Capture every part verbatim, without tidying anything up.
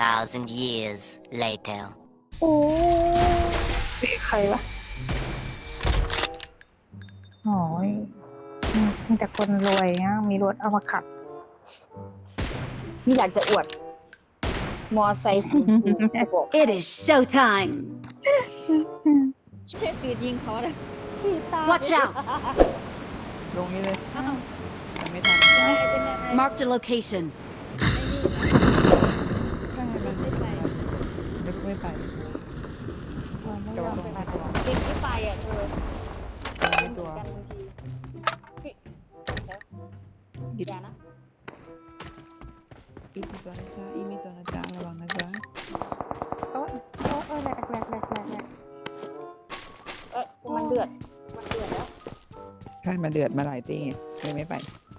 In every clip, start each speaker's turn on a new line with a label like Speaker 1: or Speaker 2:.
Speaker 1: thousand years later
Speaker 2: โอ้ยใครวะโอ้ยมีแต่คนรวยนะมีรถเอามาขับ
Speaker 3: นี่อยากจะอวด มอไซค์สูงบอก
Speaker 4: It is showtime.
Speaker 3: เชฟปีดยิงเขาเลยขีดตา
Speaker 4: Watch out
Speaker 5: ลงนี้เลย
Speaker 3: อ้าว
Speaker 5: ยังไม่ทัน
Speaker 3: ได้เป็นยังไง
Speaker 4: Marked a location.
Speaker 3: ไม่ไป
Speaker 5: นึกไม่ไป
Speaker 3: ไม่ยอมไปจริงที่ไปอ่ะเธอ
Speaker 5: ไม่
Speaker 3: เหมื
Speaker 5: ตั
Speaker 3: อ
Speaker 5: วน
Speaker 3: กันบางทีพี่แล้วอย่านะ
Speaker 5: อีมีตัวนะจ๊ะอีมีตัวนะจ๊ะระวังนะจ๊ะ
Speaker 2: โอ้ยโอ้ยโอ้ยแหลกแหลกแหลกแหลกแหลก
Speaker 3: เอ้ยมันเดือดมันเดือดแล้ว
Speaker 5: ใช่มาเดือดมาหลายตีไงเลยไม่ไป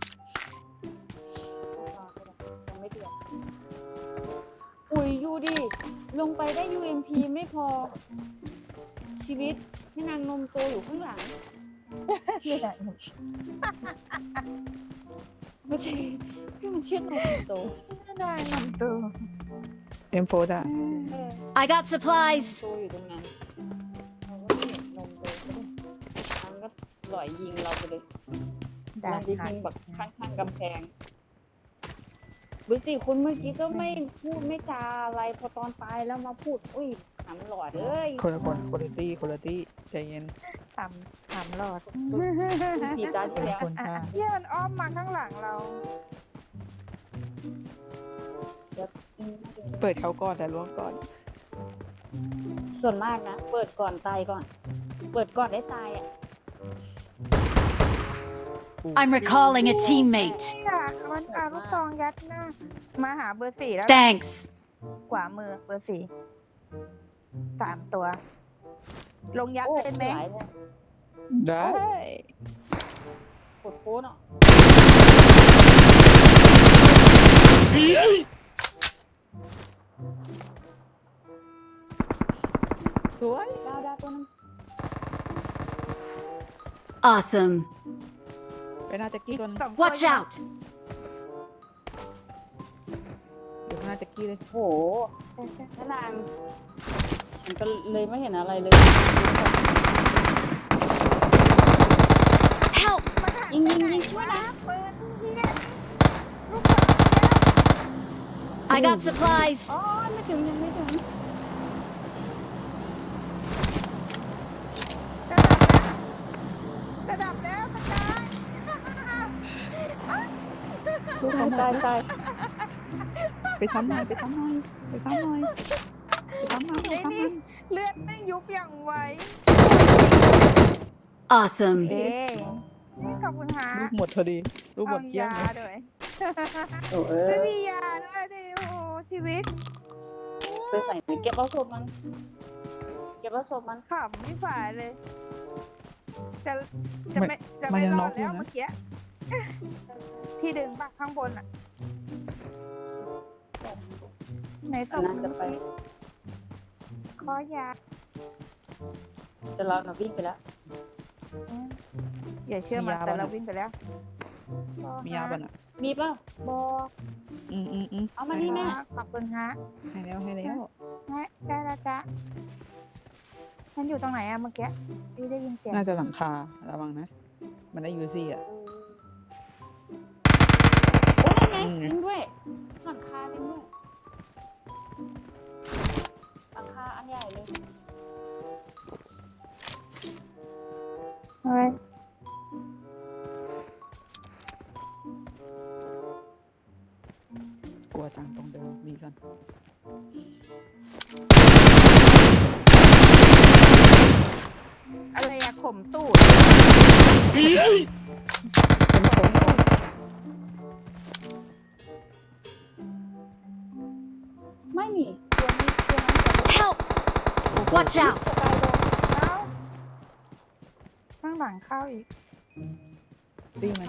Speaker 3: ยังไม่เดือดอุ้ยยูดิลงไปได้ ยู เอ็ม พี ไม่พอ ชีวิตแม่นางนมโตอยู่ข้างหลัง
Speaker 2: นี่แหละ
Speaker 3: ไม่ใช่ที่มันเชื่อนมโต
Speaker 2: ไม่ได้นำตัว
Speaker 5: เอ็มโฟดอ่ะ
Speaker 3: เออ
Speaker 4: I got supplies.
Speaker 3: โตอยู่ตรงนั้นเราก็เห็นนมโตก็เลยมันก็หล่อยยิงเราไปเลย
Speaker 2: ด่า
Speaker 3: มันจะ
Speaker 2: หา
Speaker 3: ยิงแบบข้างๆกำแพงดูสิคุณเมื่อกี้ก็ไม่พูดไม่จาอะไรพอตอนตายแล้วมาพูดอุ้ยขำหลอดเอ้ย
Speaker 5: คนละคนคุณภาพคุณภาพใจเย็น
Speaker 2: ทำทำรอด
Speaker 3: สีตา
Speaker 5: เป็
Speaker 3: ที่
Speaker 5: น
Speaker 3: แล้ว
Speaker 5: คน
Speaker 2: อ่ะ
Speaker 5: ค่ะ
Speaker 2: เยี่ยมันอ้อมมาข้างหลังเรา
Speaker 5: เปิดเขาก่อนแต่ล้วงก่อน
Speaker 3: ส่วนมากนะเปิดก่อนตายก่อน เปิดก่อนได้ตายอ่ะ
Speaker 4: I'm recalling a teammate.
Speaker 2: อ่ะมันเอาลูกซองยัดหน้ามาหาเบอร์สี่แล้ว
Speaker 4: Thanks.
Speaker 2: ขวามือเบอร์สี่สามตัว ลงยัด
Speaker 3: โอ้
Speaker 2: เป็นไหม
Speaker 3: หลายเลย
Speaker 5: ได้
Speaker 3: กดโค้ดเนาะ
Speaker 5: สวย
Speaker 3: ดาวดาวตัวนึง
Speaker 4: Awesome.
Speaker 5: ไปหน้าแจ็กกี้ตัวนึง
Speaker 2: สองตัว
Speaker 4: Watch out.
Speaker 5: เดี๋ยวหน้าแจ็กกี้เลย
Speaker 3: โหแม่นางฉันก็เลยไม่เห็นอะไรเลย
Speaker 4: Help.
Speaker 3: ยิงยิงยิงช่วยนะ
Speaker 2: ปืนเฮียลูก
Speaker 4: I got supplies.
Speaker 3: อ๋อไม่ถึงยังไม่ถึง
Speaker 2: ระดับแล้วกระจาย
Speaker 5: ลูกเขา
Speaker 3: ตายตาย
Speaker 5: ไปซ้ำหน่อยไปซ้ำหน่อยไปซ้ำหน่อยไปซ้ำหน่อยไป
Speaker 2: ไอ้
Speaker 5: ซ้ำหน่
Speaker 2: นี่
Speaker 5: อย
Speaker 2: เลือดไม่ยุบอย่างไว
Speaker 4: Awesome.
Speaker 2: เอ๊ขอบคุณฮะ
Speaker 5: ลูกหมดพอดีลูกหม
Speaker 2: เอา
Speaker 5: ดเกลี้ยง
Speaker 2: ยา
Speaker 5: เลย
Speaker 2: ด้วย
Speaker 3: โอ้เอ
Speaker 2: ไม่
Speaker 3: อ
Speaker 2: มียาด้วยดิโอ้ชีวิต
Speaker 3: ไปใส่ไปเก็บเอาศพมัน เก็บเอาศพมัน
Speaker 2: ขำไม่ฝ่ายเลย จะจะไม่จะไม่รอดแล้วเมื่อกี้ที่ดึงปะข้างบนอ่ะไหนตบ
Speaker 3: น่าจะไป
Speaker 2: ขอยา
Speaker 3: แต่เราน่ะวิ่งไปแล้ว
Speaker 2: อย่าเชื่อมันแต่เราวิ่งไปแล้ว
Speaker 5: มียาบ้างอ่ะ
Speaker 3: มีป่ะ
Speaker 2: บอ
Speaker 5: อืมอืมอืม
Speaker 3: เอามานี่แม่
Speaker 2: ขอบคุณฮะ
Speaker 5: ให้แล้วให้แล้ว
Speaker 2: ฮะได้แล้วจ้ะมันอยู่ตรงไหนอะเมื่อกี้พี่ได้ยินเสียง
Speaker 5: น่าจะหลังคาระวังนะ มันได้ยูซี่อ่ะ
Speaker 3: โอ้ยไง
Speaker 5: อืม
Speaker 3: จริงด้วยหลังคาจริงด้วยหลังคาอันใหญ่เลย
Speaker 2: เฮ้ย
Speaker 5: กลัวจังตรงเดิมดีก่อน
Speaker 2: อะไรอะข่มตูด
Speaker 3: ไม่มีตัวนี้ตัวนั้นจะ
Speaker 4: Help. Watch out.
Speaker 3: สกายโดน
Speaker 2: แล้วข้างหลังเข้าอีก
Speaker 5: ตีมัน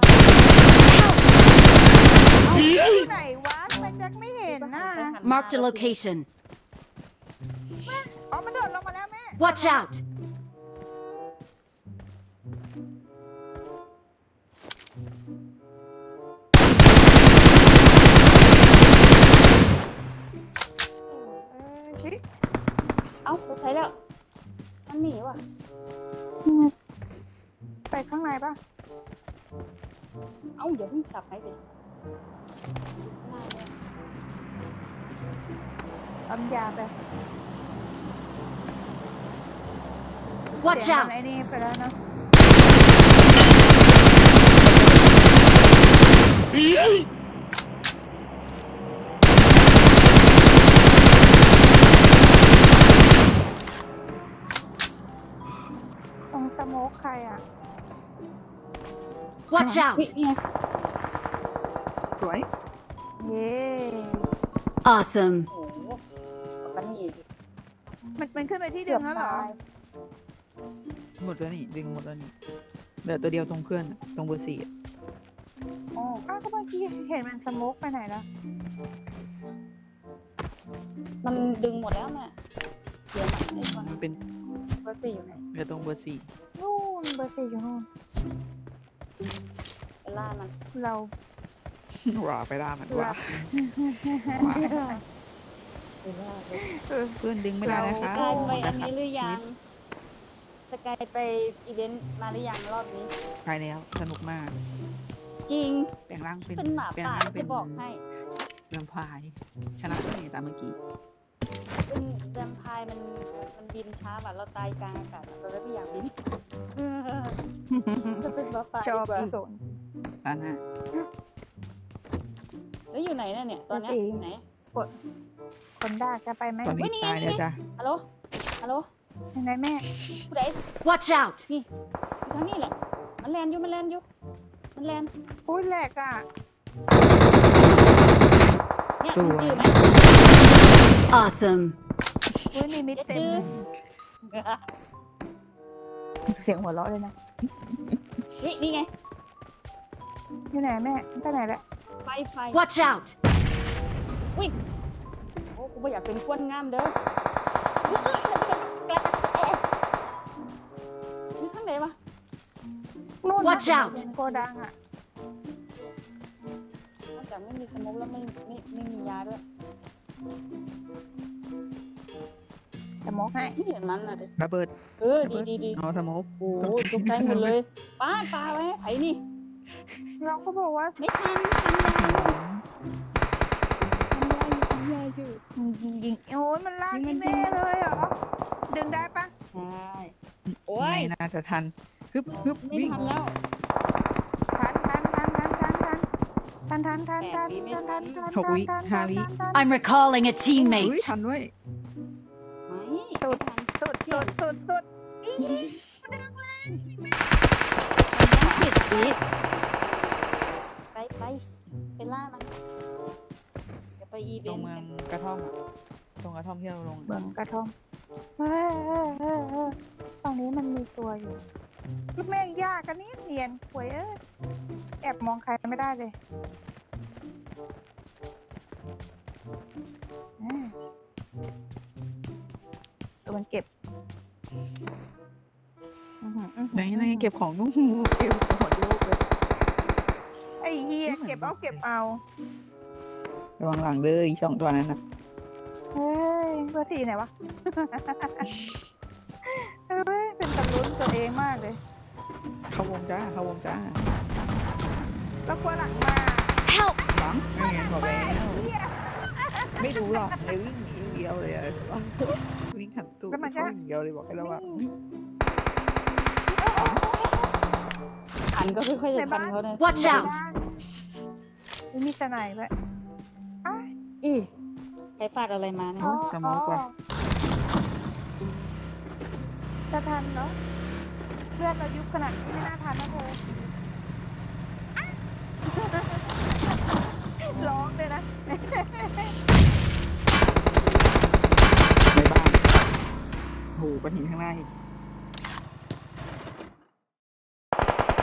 Speaker 2: อยู่ไหนวะทำไมแจ็คไม่เห็นน่ะ
Speaker 4: Marked a location.
Speaker 2: อ๋อมันโดดลงมาแล้วแม่
Speaker 4: Watch out.
Speaker 2: เฮ้ย
Speaker 3: เอ้าไปใช้แล้วมันหนีว่ะ
Speaker 2: ไปข้างในป่ะ
Speaker 3: เอ้าเดี๋ยวเพิ่งสับให้ดิ
Speaker 2: ปั๊มยาไป
Speaker 4: Watch
Speaker 2: เสียงมัน
Speaker 4: out!
Speaker 2: ไอ้นี่ไปแล้วเนาะตรงสโมกใครอ่ะ
Speaker 4: Watch
Speaker 3: เฮ้ย
Speaker 4: out!
Speaker 3: เนี่ย
Speaker 5: สวย
Speaker 2: เย้
Speaker 4: Awesome!
Speaker 3: โอ้โหมันหนีดิ
Speaker 2: มันมันขึ้นไปที่ดึงแล้วเหรอ
Speaker 5: หมดแล้วนี่ดึงหมดแล้วนี่เหลือตัวเดียวตรงเพื่อนอะตรงเบอร์สี่อะ
Speaker 3: อ๋อ
Speaker 2: อ้าวก็เมื่อกี้เห็นมันสโมกไปไหนแล้ว
Speaker 3: มันดึงหมดแล้วแม่เดี๋ยวมันไอ้คน
Speaker 5: มันเป็น
Speaker 3: เบอร์สี่อยู่ไหน
Speaker 5: เหลือตรงเบอร์สี่
Speaker 2: นู่นเบอร์สี่อยู่นู่น
Speaker 3: ไปล่ามัน
Speaker 2: เรา
Speaker 5: ว่าไปได้มันว่า
Speaker 3: ไปล่าเลย
Speaker 2: เออ
Speaker 5: เพื่อนดึงไม่ได้นะคะ
Speaker 3: สกายไปอันนี้หรือยังสกายไปอีเวนต์มาหรือยังรอบนี้
Speaker 5: ไปแล้วสนุกมาก
Speaker 3: จริง
Speaker 5: แปลงร่างเป็น
Speaker 3: เป็นหมา
Speaker 5: แปลง
Speaker 3: ป่า
Speaker 5: ร่างเป็
Speaker 3: จะ
Speaker 5: น
Speaker 3: บอกให้
Speaker 5: แวมไพร์ชนะเลยตามเมื่อกี้
Speaker 3: เป็นแวมไพร์มันมันบินช้าแบบเราตายกลางอากาศเราเลยไม่อยากบินจะเป็นหมาป่า
Speaker 2: ช
Speaker 3: ดี
Speaker 2: อบ
Speaker 3: กว่า
Speaker 2: อีโซน
Speaker 5: ร้านหน้า
Speaker 3: แล้วอยู่ไหนน่ะเนี่ยตอนเนี้ย
Speaker 2: เบอร์สี่
Speaker 3: อยู่ไหน
Speaker 2: คนด่าจะไปไหม
Speaker 5: ตอนนี้ตายแล้วจ้ะ
Speaker 3: ฮัลโหลฮัลโหล
Speaker 2: ยังไงแม่
Speaker 3: ผู้ใด
Speaker 4: Watch out!
Speaker 3: อยู่ทางนี้แหละมันแลนอยู่มันแลนอยู่มันแลน
Speaker 2: อุ้ยแหลกอ่ะ
Speaker 3: เนี่ยมันจืดไหม
Speaker 4: Awesome!
Speaker 2: อุ้ยนี่มิดเต็มเลยเสียงหัวเราะเลยนะ
Speaker 3: นี่นี่ไง
Speaker 2: อยู่ไหนแม่ไปไหนแล้ว
Speaker 3: ไฟไฟ
Speaker 4: Watch out!
Speaker 3: วิ่งโอ้กูไม่อยากเป็นกวนงามเด้ออยู่ทางไหนวะ
Speaker 2: นู่นนะ
Speaker 4: Watch out
Speaker 2: โกดังอ่ะ
Speaker 3: นอกจากไม่มีสโมกแล้วไม่ไม่ไม่มียาด้วย
Speaker 2: สโมกให้
Speaker 3: ไม่เห็นมันนะเด็
Speaker 5: ระเบิด
Speaker 3: เออดีดีดี
Speaker 5: เอาสโมก
Speaker 3: โอ้โหตกใจหมดเลยป้าปลาไว้ไผ่นี่
Speaker 2: เราก็บอกว่า
Speaker 3: ไม่ทันทันยาทันยาอยู่
Speaker 2: ยิงยิงโอ้ยมันลากแม่เลยเหรอ ดึงได้ปะ
Speaker 3: ใช่โอ้ย
Speaker 5: ไม่น่าจะทันฮึบฮึบ
Speaker 3: ไม่
Speaker 5: วิ่ง
Speaker 3: ทันแล้ว
Speaker 2: ทันทันทันทันทันทันทันทันทันทันทันทันทันทัน
Speaker 4: I'm recalling a
Speaker 5: เฮ้ย
Speaker 4: teammate.
Speaker 5: ทันด้วย
Speaker 3: ไม่
Speaker 2: สุด
Speaker 3: ทัน
Speaker 2: สุดสุดสุดสุดอี
Speaker 3: สิบวิไปไปไปล่ามันเดี๋ยวไปอีเว
Speaker 5: ตรง
Speaker 3: นต์
Speaker 5: เมืองกระท่อมอะตรงกระท่อมที่เราลง
Speaker 2: เบิ่งกระทงเฮ้ยเฮ้ยเฮ้ยเฮ้ยตรงนี้มันมีตัวอยู่ลูกแม่งยากกันนี่เนียนหวยเอ้ยแอบมองใครไม่ได้เลยอ่าตัวมันเก็บอื้อหืออื้อหือ
Speaker 5: ไหนไหนเก็บของนู่นเก็บของโลกเลย
Speaker 2: ไอ้เฮียเก็บเอาเก็บเอา
Speaker 5: ระวังหลังเลยอีกสองตัวนั้นนะ
Speaker 2: เฮ้ยเบอร์สี่ไหนวะ เฮ้ยเป็นตะลุ้นตัวเองมากเลย
Speaker 5: เข้าวงจ้าเข้าวงจ้า
Speaker 2: แล้วกลัวหลังมา
Speaker 4: Help!
Speaker 5: หลังไม่ไงบอกแล้ว
Speaker 2: เฮีย
Speaker 5: ไม่รู้หรอกเลยวิ่งหนีอย่างเดียวเลยอะวิ่งหันตูด
Speaker 2: แล้วมันก็
Speaker 5: เข้าอย่างเดียวเลยบอกให้ระวัง
Speaker 3: ทันก็ค่อยๆจะทันเขาเนี่ย
Speaker 4: Watch out!
Speaker 2: ไม่มีสไนด์ด้วย
Speaker 3: อีใครฟาดอะไรมาเนี่ย
Speaker 2: อ๋อ
Speaker 5: สโมกว่ะ
Speaker 2: จะทันเนาะเพื่อนเรายุบขนาดนี้ไม่น่าทันนะเธอร้องเลยนะ
Speaker 5: ในบ้านโหก้อนหินข้างหน้าอีก